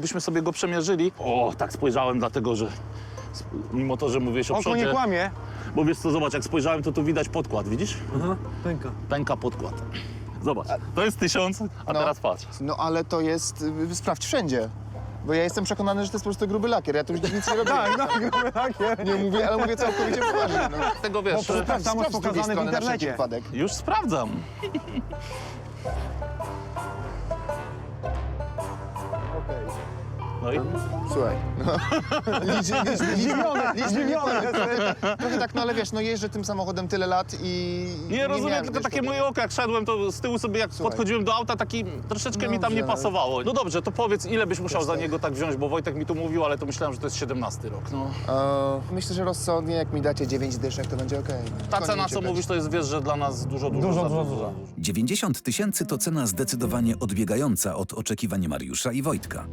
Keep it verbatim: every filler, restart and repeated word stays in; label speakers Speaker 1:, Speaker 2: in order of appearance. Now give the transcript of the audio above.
Speaker 1: jakbyśmy sobie go przemierzyli. O, tak spojrzałem, dlatego że sp- mimo to, że mówiłeś o
Speaker 2: Oko
Speaker 1: przodzie,
Speaker 2: nie kłamie.
Speaker 1: bo wiesz co, zobacz, jak spojrzałem, to tu widać podkład, widzisz?
Speaker 2: Aha, pęka.
Speaker 1: Pęka podkład. Zobacz, to jest tysiąc, a
Speaker 3: No.
Speaker 1: teraz patrz.
Speaker 3: No ale to jest, y, sprawdź wszędzie. Bo ja jestem przekonany, że to jest po prostu gruby lakier. Ja tu już nic nie robię.
Speaker 2: Tak, no, gruby lakier.
Speaker 3: Nie mówię, ale mówię całkowicie poważnie. No.
Speaker 1: Tego wiesz,
Speaker 2: Bo
Speaker 1: że-
Speaker 2: tak samo jest
Speaker 3: Sprawdź z drugiej
Speaker 2: pokazane w
Speaker 3: strony na wszelki
Speaker 2: internecie.
Speaker 3: wypadek.
Speaker 1: już sprawdzam. No i
Speaker 3: Słuchaj. No. Licz, licz, licz,
Speaker 2: Zdziwiony,
Speaker 3: licz,
Speaker 2: zdziwiony.
Speaker 3: Trochę tak, no ale wiesz, no jeżdżę tym samochodem tyle lat i...
Speaker 1: nie rozumiem,
Speaker 3: miałem,
Speaker 1: tylko
Speaker 3: wiesz,
Speaker 1: takie
Speaker 3: tego-
Speaker 1: moje oko, jak szedłem, to z tyłu sobie, jak
Speaker 3: Słuchaj.
Speaker 1: podchodziłem do auta, taki troszeczkę mi tam
Speaker 3: Dobrze,
Speaker 1: nie
Speaker 3: ale-
Speaker 1: pasowało. No dobrze, to powiedz, ile byś musiał
Speaker 3: Wiesz,
Speaker 1: za
Speaker 3: tak.
Speaker 1: niego tak wziąć, bo Wojtek mi tu mówił, ale to myślałem, że to jest siedemnasty rok. No.
Speaker 3: E, myślę, że rozsądnie, jak mi dacie dziewięć dyszek, to będzie okej.
Speaker 1: Ta
Speaker 3: Koniec
Speaker 1: cena, co
Speaker 3: czekać.
Speaker 1: mówisz, to jest, wiesz, że dla nas dużo, dużo,
Speaker 2: Dużo,
Speaker 1: za
Speaker 2: dużo,
Speaker 1: dużo.
Speaker 2: dużo.
Speaker 4: dziewięćdziesiąt tysięcy to cena zdecydowanie odbiegająca od oczekiwań Mariusza i Wojtka.